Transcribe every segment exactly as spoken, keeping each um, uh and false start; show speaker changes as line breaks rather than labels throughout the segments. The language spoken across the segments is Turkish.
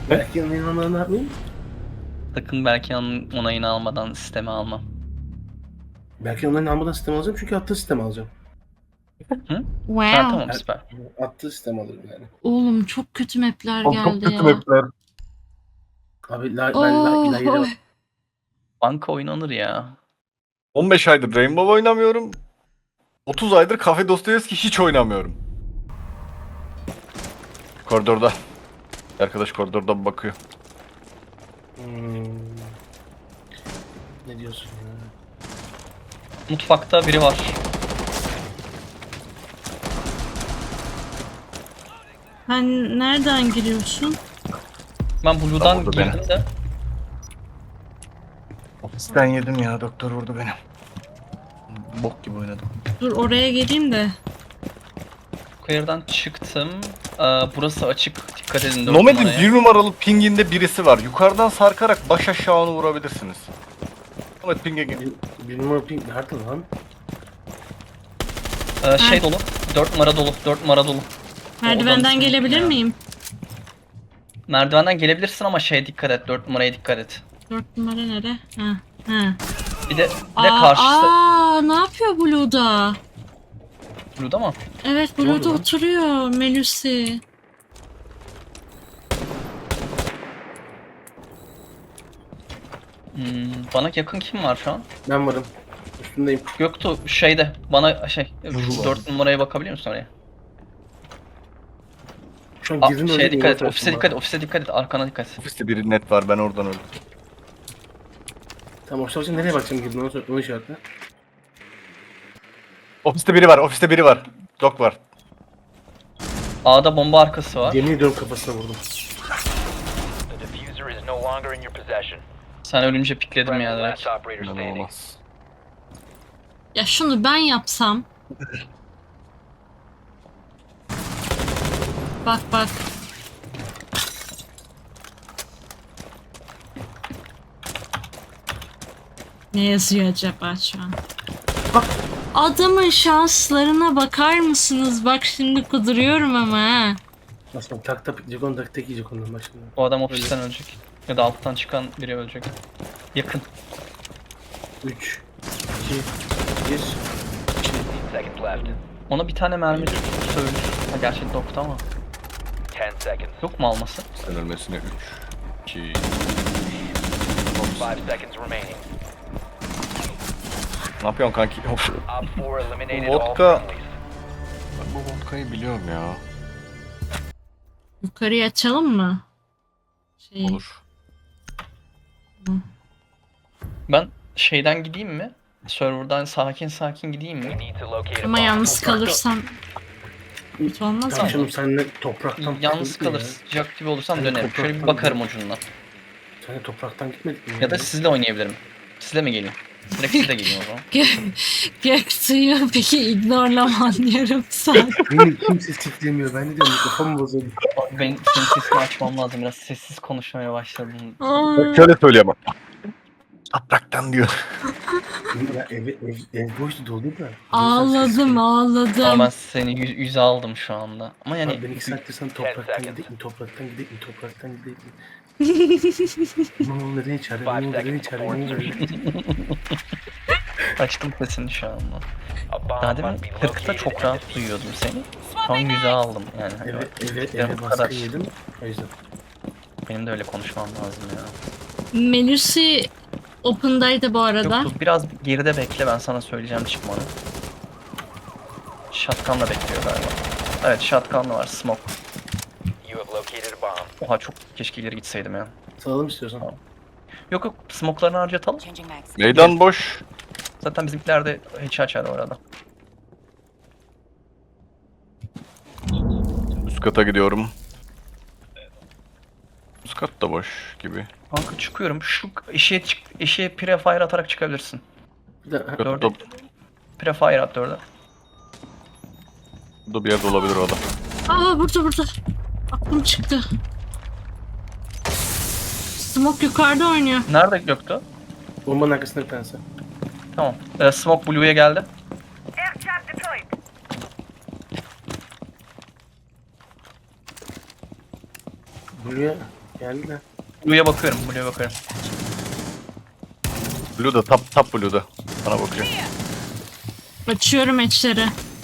Belki onayını ne yapmayayım?
Sakın belki onun onayını almadan sisteme almam.
Belki onayını almadan sistem alacağım çünkü attığı sistem alacağım.
Hı? Ha
Wow.
tamam süper.
Attığı sistem alırım yani.
Oğlum çok kötü mapler
Çok, çok
geldi
kötü
ya.
mapler.
Abi la, ben
Oh,
la, la,
oh.
la,
Banka oynanır ya.
on beş aydır Rainbow oynamıyorum. otuz aydır Cafe Dostoyevski hiç oynamıyorum. Koridorda. Arkadaş koridorda bakıyor.
Hmm. Ne diyorsun ya?
Mutfakta biri var.
Sen nereden giriyorsun?
Ben Blue'dan
Tamam, vurdu
girdim
beni.
de.
Ofisten yedim ya, doktor vurdu beni. Bok gibi oynadım.
Dur oraya geleyim de.
Yukarıdan çıktım. Ee, burası açık. Dikkat edin. dört
Nomed'in
numaraya.
bir numaralı pinginde birisi var. Yukarıdan sarkarak baş aşağı onu vurabilirsiniz. Nomad ping'e gel.
Bir, bir numara ping nerede lan?
Ee, şey dolu. dört numara dolu. dört numara dolu.
Merdivenden
Odanın
gelebilir
ya.
miyim?
Merdivenden gelebilirsin ama şeye dikkat et. dört numaraya dikkat et.
Dört numara nere? Ha. Ha.
Bir de bir de
Aa,
karşısı.
aa, ne yapıyor Blue'da?
Blue'da mı?
Evet
Ne oldu
Blue'da
lan?
oturuyor Melusi.
Hmm, bana yakın kim var şu an?
Ben varım. Üstündeyim.
Göktuğ şeyde bana şey
Vuru
dört numaraya bakabiliyor musun oraya?
Şu an
Aa,
girdin
şeye
öyle
dikkat et,
bir
ofise dikkat et, ofise dikkat et, arkana dikkat et.
Ofiste biri net var, ben oradan öldüm.
Tamam ofise bakacağım, nereye bakacağım girdin onu, onu işaretle.
Ofiste biri var, ofiste biri var. Dok var.
A'da bomba arkası var.
Yemin ediyorum kafasına vurdum.
The diffuser is no longer in your possession.
Sen ölünce pikledim
Friendly
ya direkt.
last operator standing.
İnanılmaz.
Ya şunu ben yapsam. Bak bak. Ne yazıyor acaba şu an?
Bak.
Adamın şanslarına bakar mısınız? Bak şimdi kuduruyorum ama ha.
Aslında tak tak Jagon tak tek yiyecek ondan bak şimdi.
O adam ofisten ölecek. Ya da alttan çıkan biri ölecek. Yakın.
üç, iki, bir.
fifteen seconds left.
Ona bir tane mermi söylür. Ha, gerçi dokta ama.
ten seconds.
Yok mu alması?
Sen ölmesine üç, iki...
five seconds remaining.
Ne yapıyorsun kanki? Of.
Op four eliminated
Vodka.
all friendlies.
Ben bu vodkayı biliyorum ya.
Yukarıya açalım mı? Şey,
Olur.
Ben şeyden gideyim mi? Server'dan sakin sakin gideyim
We
mi?
need to locate a
ama
bomb.
yalnız kalırsam kötü olmaz mı?
Tamam canım senle topraktan
Yalnız
gitmedik mi
kalır,
ya?
sıcak gibi olursam
Sen
dönerim. Şöyle bir
topraktan
bakarım ucundan.
Senle topraktan gitmedik mi?
Ya da sizle oynayabilirim. Sizle mi geleyim? Direkt sizle geleyim o zaman.
Gök, Göktuğ'u peki ignorlaman yarım saat.
Beni kimse siklemiyor. Ben de diyorum mikrofon bozuldu.
Ben senin sesini açmam lazım. Biraz sessiz konuşmaya başladım.
Aa,
Şöyle söylüyor ama. Topraktan diyor.
Ya ev, ev, ev boştu doldu da.
ağladım
Ama ben
ağladım.
seni yüz, yüze aldım şu anda. Ama
Yani
yani
ben iki saattir sana topraktan gidelim mi? Topraktan gidelim mi? Topraktan gidelim mi? Ne olur neden içeride? Ne olur neden içeride? Ne olur?
açtım sesini şu anda.
A bomb
Daha demin
must be
kırkta
located
çok
and
rahat
defused.
duyuyordum seni. Şu an yüze aldım yani. Hani
Eve, eve,
Ya bu
eve
kadar.
baskın yedim. O yüzden.
benim de öyle konuşmam lazım ya.
Melusi open'daydı bu arada.
Yok dur biraz geride bekle ben sana söyleyeceğim çıkmanı. Shotgun'la bekliyor galiba. Evet shotgun'la var smoke.
You have located a bomb.
Oha çok keşke ileri gitseydim ya.
Salalım istiyorsan.
Yok yok smoke'larını harcatalım.
Changing mags.
Meydan boş.
Zaten bizimkiler de hiç açar orada.
Üst kata gidiyorum. Üst kat da boş gibi.
Kanka çıkıyorum. Şu eşeğe çık, eşeğe prefire atarak çıkabilirsin.
Bir de, ha,
Dörtte,
Dörde. Prefire at dörde.
burada bir yerde olabilir o adam.
Aa burada burada. Aklım çıktı. Smoke yukarıda oynuyor.
Nerede göktü?
bombanın arkasında bir tanesi.
Tamam. Ee, smoke Blue'ya geldi.
Buraya Geldi de.
Blue'ya bakıyorum, Blue'ya bakıyorum.
Blue'da, top, top Blue'da. Bana bakıyor.
Açıyorum etçleri.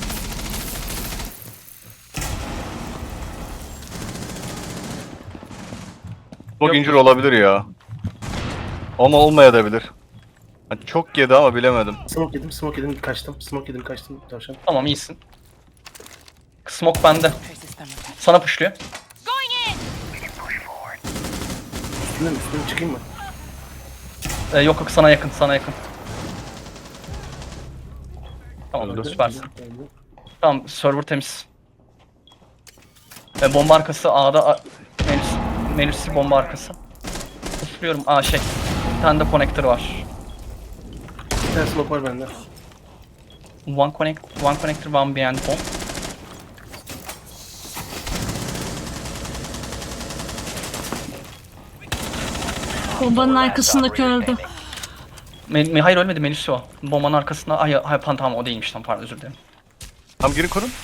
Çok incir olabilir ya. Ama olmayabilir. Yani çok yedi ama bilemedim.
Smoke yedim, smoke yedim, kaçtım. Smoke yedim, kaçtım. Tavşan.
Tamam iyisin. Smoke bende. Sana pushluyor.
Üstüne mi? Üstüne mi çıkayım mı?
Ee, yok yok sana yakın, sana yakın. Tamam
Öldü.
süpersin.
Öldü.
Tamam server temiz. Ee, bomba arkası A'da A- Melis, Melis'i bomba arkası. Pushluyorum. Aa şey. Bir tane de connector var.
Bir tane smoke var bende.
One connect, one connector, one behind bomb.
Bombanın arkasındaki öldü.
Me Me- hayır ölmedi Melis o. Bombanın arkasında. Ay hayır pan tamam o değilmiş tam pardon özür dilerim.
Tamam girin kurun.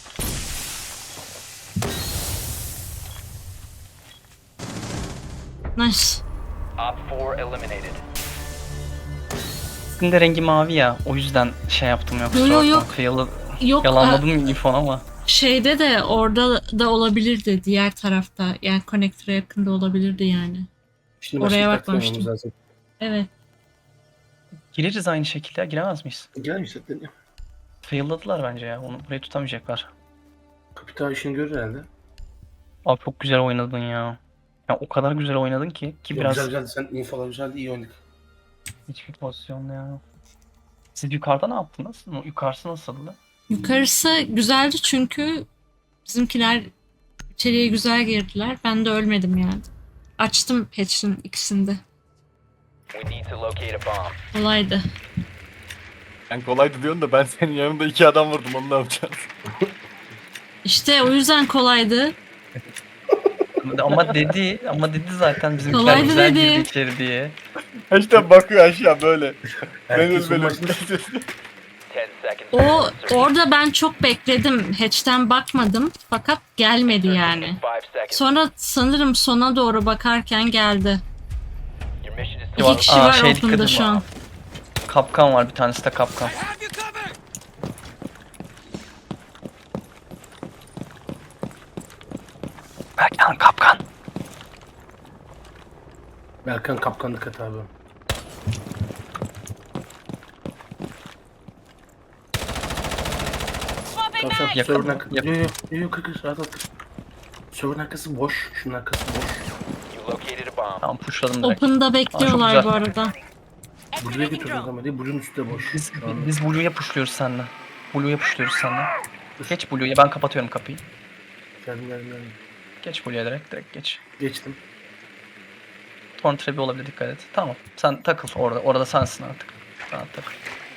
Nice.
Op four eliminated.
Sizin de rengi mavi ya o yüzden şey yaptım yoksa.
Yo, yo, yok.
Yalan-
Yok
Yalanladım info ama.
şeyde de orada da olabilirdi diğer tarafta. Yani connector'a yakında olabilirdi yani.
Şimdi
Oraya
başka bir
bakmamıştım.
taktiğim lazım.
Evet.
Gireriz aynı şekilde giremez miyiz?
Gelmiş zaten ya.
Fail'ladılar bence ya onu burayı tutamayacaklar.
Kapital işini görür herhalde.
Abi çok güzel oynadın ya. Ya o kadar güzel oynadın ki ki
Yok,
biraz
Güzel güzeldi. Sen infolar güzeldi. İyi oynadık.
hiçbir pozisyonda ya. Siz yukarıda ne yaptınız? Yukarısı nasıldı?
Yukarısı güzeldi çünkü bizimkiler içeriye güzel girdiler. Ben de ölmedim yani. Açtım patch'in ikisinde.
We need to locate a bomb.
Kolaydı.
Ben kolaydı diyorsun da ben senin yanında iki adam vurdum, onu ne yapacağız?
İşte o yüzden kolaydı.
Ama dedi, ama dedi zaten bizimkiler
Kolaydı
güzel
dedi.
girdi içeri diye.
İşte bakıyor aşağı böyle.
Herkes
Benim
son
benim.
maçta
Ten seconds.
O
to insertion.
orada ben çok bekledim. Hatch'ten bakmadım fakat gelmedi yani.
Five seconds.
Sonra sanırım sona doğru bakarken geldi.
Your mission is to
İki
Var-
kişi
Aa,
var
şey
open'da
dikkat
şu
edin.
an.
Kapkan var bir tanesi de kapkan. Berkan kapkan.
Berkan kapkanlık at abi. Tavşan
Yakın
server'ın
mı?
arkası.
Yakın.
Yo yo yo yo kır kır rahat ol kır. Server'ın arkası boş. Şunun arkası boş.
you located a bomb.
Tamam pushladım direkt.
Open'da bekliyorlar
güzel.
bu arada.
Blue'ya götürdüm kamerayı. Blue'un üstü de boş.
Biz,
Şu anda.
biz Blue'ya pushluyoruz seninle. Blue'ya pushluyoruz seninle. Geç Blue'ya ben kapatıyorum kapıyı.
Geldim geldim geldim.
Geç Blue'ya direkt direkt geç.
Geçtim.
Torn trap'i olabilir dikkat et. Tamam sen takıl orada. Orada sensin artık. Rahat takıl.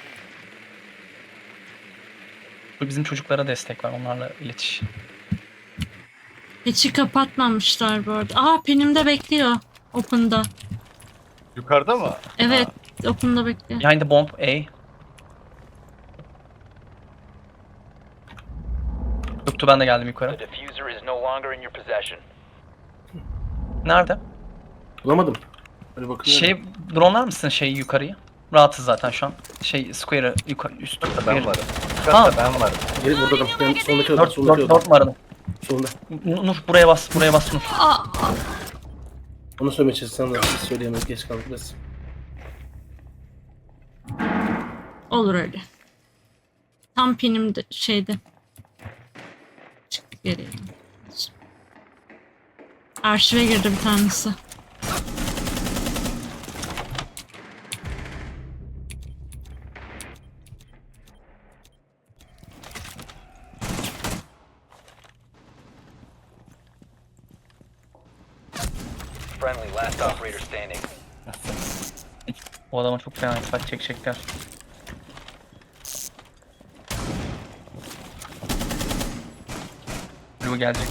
Bu bizim çocuklara destek var. Onlarla iletiş.
Hatch'i kapatmamışlar bu arada. Aa Penim'de bekliyor. Open'da.
Yukarıda mı?
Evet. Open'da bekliyor.
Behind the bomb A. Yoktu ben de geldim
The
yukarı.
diffuser is no longer in your possession.
Nerede?
Bulamadım. Böyle bakıyorum.
Şey drone'lar mısın şeyi yukarıyı? Rahatız zaten şu an. Şey square'ı yukarı üst.
Ben varım.
Ha.
Yukarıda ben varım.
Geri burada da. Ben sondaki oda.
Dört,
Sondaki
dört,
oda.
dört numaranın.
Solunda.
N- Nur buraya bas, buraya bas Nur.
Aa,
Onu söylemeye çalışsam da biz söyleyemeyiz. Geç kaldık biraz.
olur öyle. Tam Penim'de şeyde. Çık geriye. Arşive girdi bir tanesi.
Friendly, last operator standing.
O adama çok fena saç çekecekler. Blue gelecek.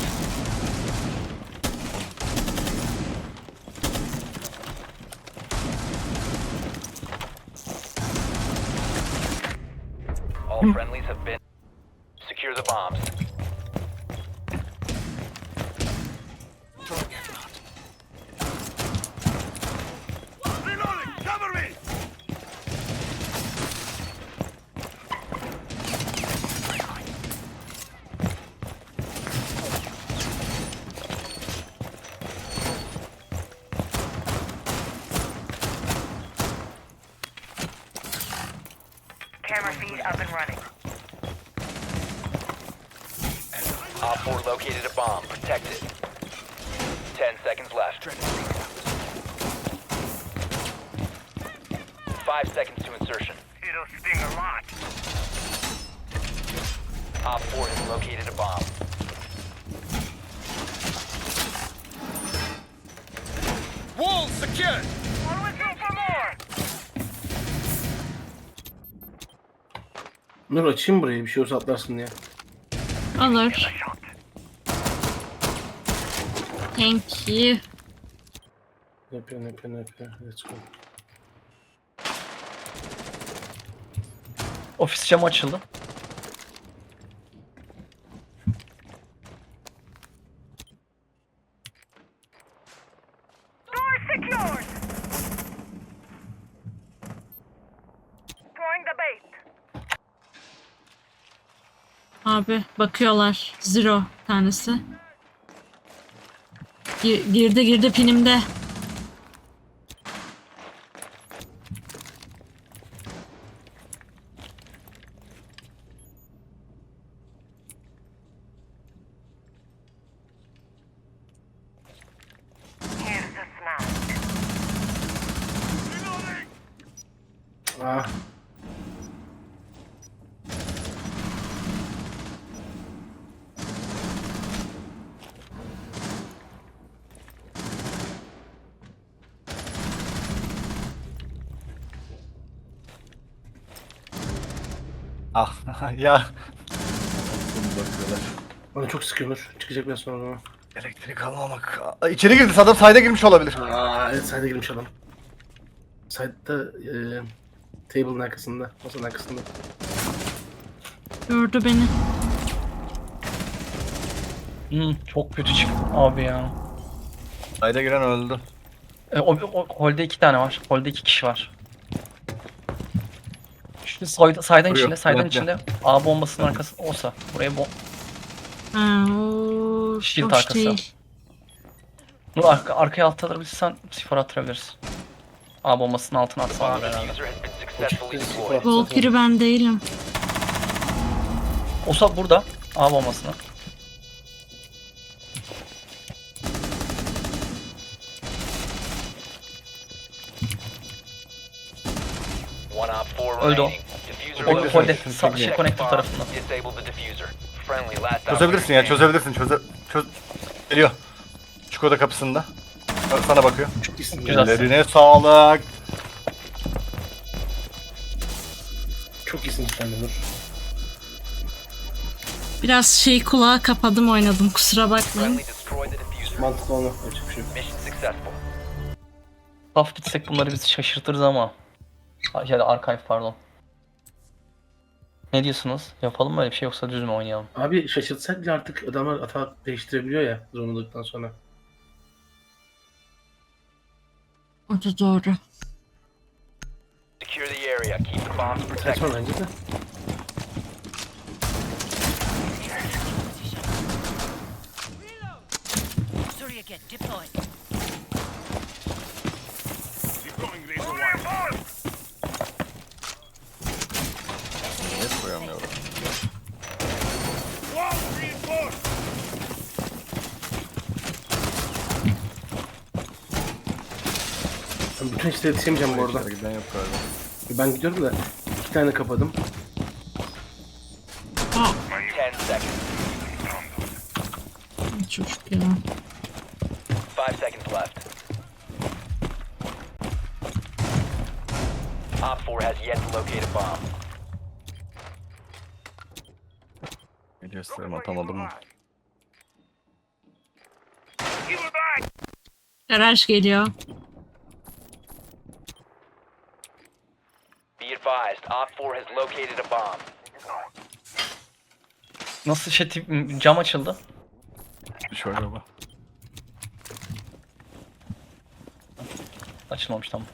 All friendlies have been. Secure the bombs.
Camera feed up and running.
Op four located a bomb. Protect it. Ten seconds left. Five seconds to insertion.
It'll sting a lot.
Op four has located a bomb.
Wall secured. Always go for more.
Nur açayım burayı bir şey olsa atlarsın diye.
Olur. Thank you.
Ne yapıyor ne yapıyor ne yapıyor. Let's go.
Ofis camı açıldı.
Door secured. Throwing the bait.
Abi bakıyorlar. Zero tanesi. Gir- girdi girdi pinimde.
Here's the smoke.
Ah.
Ah ya. Bunu bakıyorlar.
Bana çok sıkıyor Nur. Çıkacak biraz sonra o zaman.
Elektrik almamak. Aa, İçeri girdi. Adam sayda girmiş olabilir.
Aa evet side'e girmiş adam. Side'da e, table'ın arkasında. Masanın arkasında.
Gördü beni.
Hmm, çok kötü çıktı abi ya.
Sayda giren öldü.
E, o, o holde iki tane var. Holde iki kişi var. Şu sayda, saydan
Vuruyor,
içinde, saydan
plakla.
içinde A bombasının arkası olsa buraya bom
Ha, o
Shield
hoş
arkası.
değil.
Nur arka, arkaya alt alabilirsen sıfır attırabiliriz. A bombasının altına atsalar
Bomb
herhalde.
diffuser has been successfully deployed.
Valkyrie ben değilim.
Olsa burada A bombasını.
One op four
Öldü o.
remaining. Diffuser
Holde,
located.
holde
Protect
sağ,
Protect
şey
the
connector
bomb.
tarafından.
Disable the diffuser. Friendly last
Çözebilirsin ya,
operator
çözebilirsin. Çöze... Çöz... Geliyor. Çikoda kapısında. Bak, sana bakıyor.
Çok iyisin.
Güzel.
Ellerine sağlık.
Çok iyisin cidden de Nur.
Biraz şey kulağı kapadım oynadım kusura bakmayın.
Friendly destroy the diffuser.
Mantıklı onu. Açık bir şey yok.
Mission successful.
Saf gitsek bunları bizi şaşırtırız ama. Ay, Ya da archive pardon. Ne diyorsunuz? Yapalım mı öyle bir şey yoksa düz mü oynayalım?
Abi şaşırtsak bile artık adamlar hata değiştirebiliyor ya zorunluluktan sonra.
O da doğru.
Secure the area. Keep the bombs protected.
Saçma bence de.
Surrogate deployed.
Niye koyamıyorum?
Ben bütün işleri yetişemeyeceğim bu arada.
Giden yok galiba.
Ben gidiyorum da iki tane kapadım.
Aa,
Ten seconds.
çocuk ya.
Five seconds left. Op four has yet to locate a bomb.
Bir gösterim atamadım mı?
Garaj geliyor.
Be advised, Op four has located a bomb.
Nasıl şey tip, cam açıldı?
Şöyle bak.
Açılmamış tamam.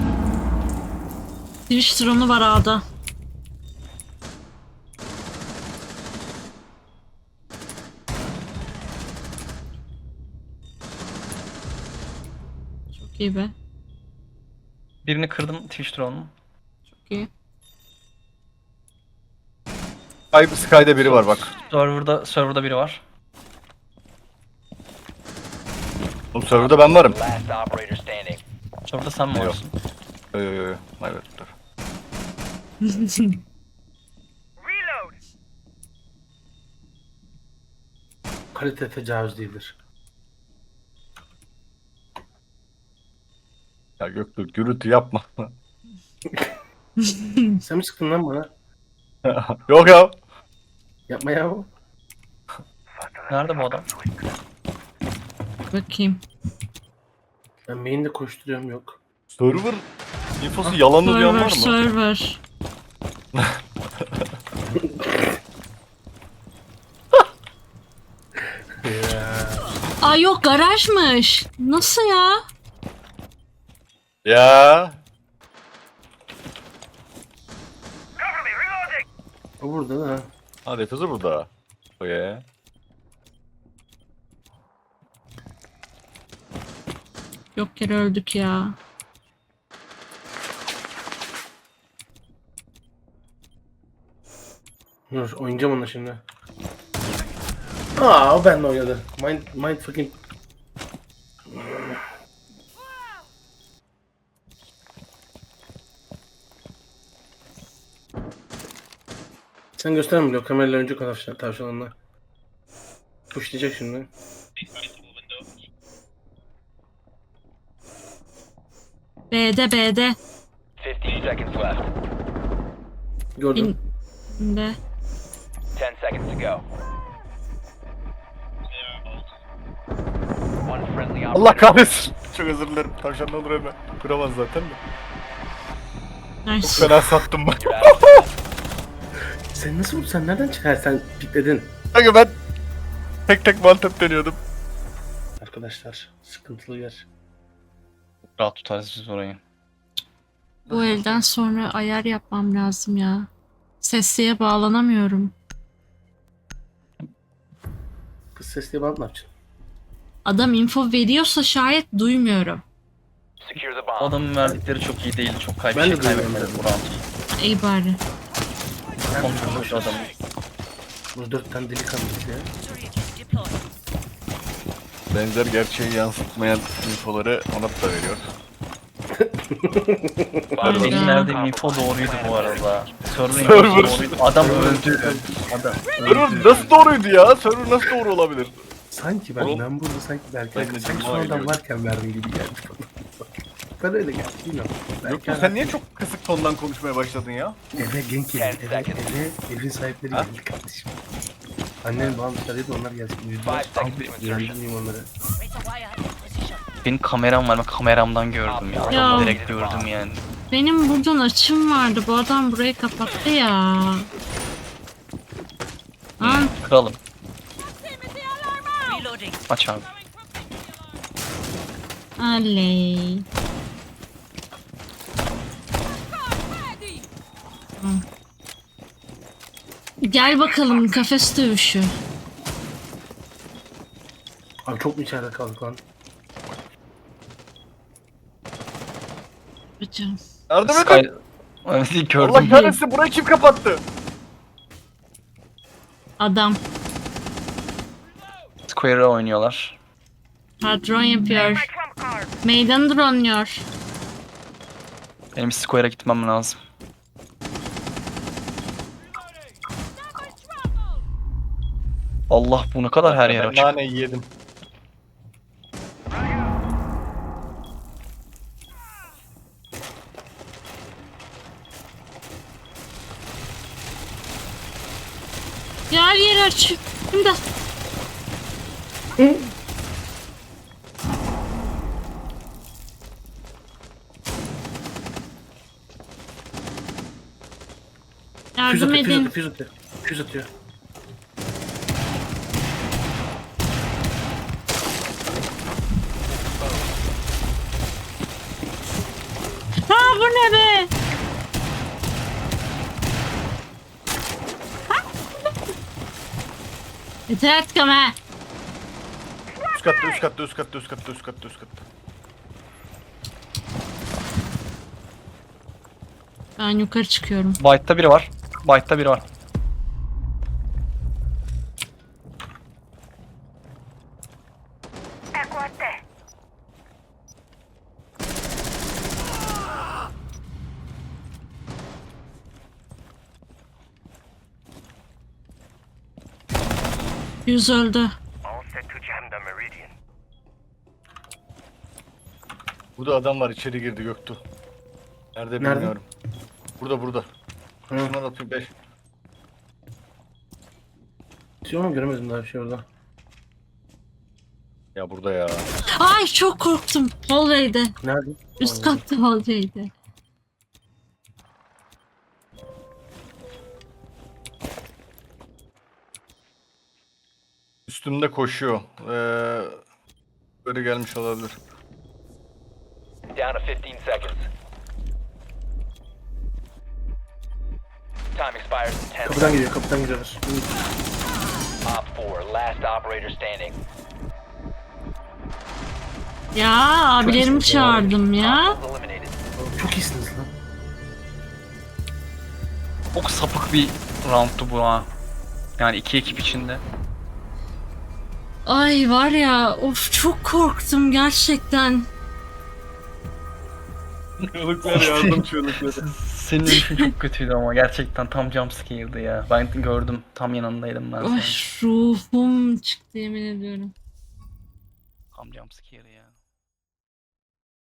Twitch drone'u var A'da. Çok iyi be.
Birini kırdım Twitch drone'un.
Çok iyi.
Sky, Sky'da biri var bak.
Server'da, server'da biri var.
Oğlum serverda ben varım.
Last operator standing.
Server'da sen mi
Yok.
varsın?
Yo yo yo. Evet dur.
Reload.
Kalite tecavüz değildir.
Ya Göktuğ gürültü yapma.
Sen mi sıktın lan bana?
Yok ya.
Yapma ya.
Nerede bu adam?
Bakayım.
Ben main'de koşturuyorum yok.
Server infosu yalanlı diyen var
Server,
mı?
server.
Ya.
Aa yok, garajmış. Nasıl ya?
Ya.
Cover me. Reloading.
O burada da.
Ha defuzu burada. O ya.
Yok yere öldük ya.
Dur oynayacağım onunla şimdi. Aa o benimle oynadı. Mind, mind fucking... Sen gösterme bile o kamerayla önce tavşan, tavşanınla. Pushlayacak şimdi.
B'de B'de.
fifteen seconds left.
Gördüm.
Bin de.
ten seconds to go. One friendly
Allah
operator.
kahretsin. Çok özür dilerim. Tavşan ne olur hemen. Kuramaz zaten de.
Nice.
Fena sattım ben.
You're out of time.
Sen nasıl sen nereden çıkar sen pikledin?
Kanka ben tek tek mantep deniyordum.
Arkadaşlar sıkıntılı yer.
Rahat tutarız biz orayı.
Bu elden sonra ayar yapmam lazım ya. Sesliye bağlanamıyorum.
Kız sesli bant ne yapacaksın?
Adam info veriyorsa şayet duymuyorum.
Secure the
O
bomb.
adamın verdikleri çok iyi değil. Çok kay bir
Ben
şey
de duyuyorum.
kaybetmedi bu round.
İyi bari.
Kontrolü adamın.
Burada dört tane delikanlıyız ya.
Benzer gerçeği yansıtmayan infoları Onat da veriyor.
Bomb
Benim
Ya.
verdiğim info doğruydu bu arada. Server
Server.
infosu doğruydu. Adam öldü. Adam
Server
öldü.
nasıl doğruydu ya? Server nasıl doğru olabilir?
Sanki ben,
Oğlum.
ben burada sanki Berkay,
Ben de
sanki
Cuma
sonradan
ediyorum.
varken verdim gibi geldi bana. Ben öyle geldi bilmiyorum.
Yok
Belki
sen niye çok kısık tondan konuşmaya başladın ya?
eve genç
Ten
geldi, eve,
seconds.
eve evin sahipleri
Ha?
geldi kardeşim. Annem babam dışarıdaydı onlar gelsin. Yüzden
Five seconds to insertion.
yüzden onları.
Benim kameram var. Ben kameramdan gördüm ya.
Ya.
Adamı direkt gördüm yani.
Benim buradan açım vardı. Bu adam burayı kapattı ya. Lan
Kralım. Aç abi.
aley. Hı. Gel bakalım kafes dövüşü.
Abi çok mu içeride kaldık lan?
Bacım.
Yardım
Sky...
edin.
Evet
Allah
gördüm.
kahretsin burayı kim kapattı?
Adam.
Square'e oynuyorlar.
Patron yapıyor.
Trump card.
Meydan dronluyor.
Benim Square'e gitmem lazım. Allah bu ne kadar her yer
Ben
açık.
naneyi yedim.
Ya her yeri aç. İmdat.
Füz
Yardım
atıyor, füz
edin.
atıyor, füz atıyor. Füz atıyor.
Ha bu ne be? Yeter artık ama.
Üst katta üst katta üst katta üst katta üst katta üst katta.
Ben yukarı çıkıyorum.
White'ta biri var. White'ta biri var.
Yüz öldü.
All set to jam the meridian.
Burada adam var, içeri girdi Göktuğ. Nerede
Nerede?
bilmiyorum. Burada burada.
Hı.
Şundan atayım beş.
Diyor ama göremedim daha bir şey orada.
Ya burada ya.
Ay çok korktum. Hallway'de.
Nerede?
Üst
Tamam.
katta hallway'de.
Üstümde koşuyor. Ee, böyle gelmiş olabilir.
Down to fifteen seconds. Time expires in ten
Kapıdan
seconds.
geliyor, kapıdan geliyorlar.
Op four, last operator standing.
Ya abilerimi çağırdım ya.
Hostiles eliminated.
Çok iyisiniz lan.
Çok sapık bir roundtu bu ha. Yani iki ekip içinde.
Ay var ya of çok korktum gerçekten.
Çığlıklar yardım çığlıkları.
Senin ölüşün çok kötüydü ama gerçekten tam jumpscare'dı ya. Ben gördüm, tam yanındaydım ben
Ay
senin.
ruhum çıktı yemin ediyorum.
Tam jumpscare ya.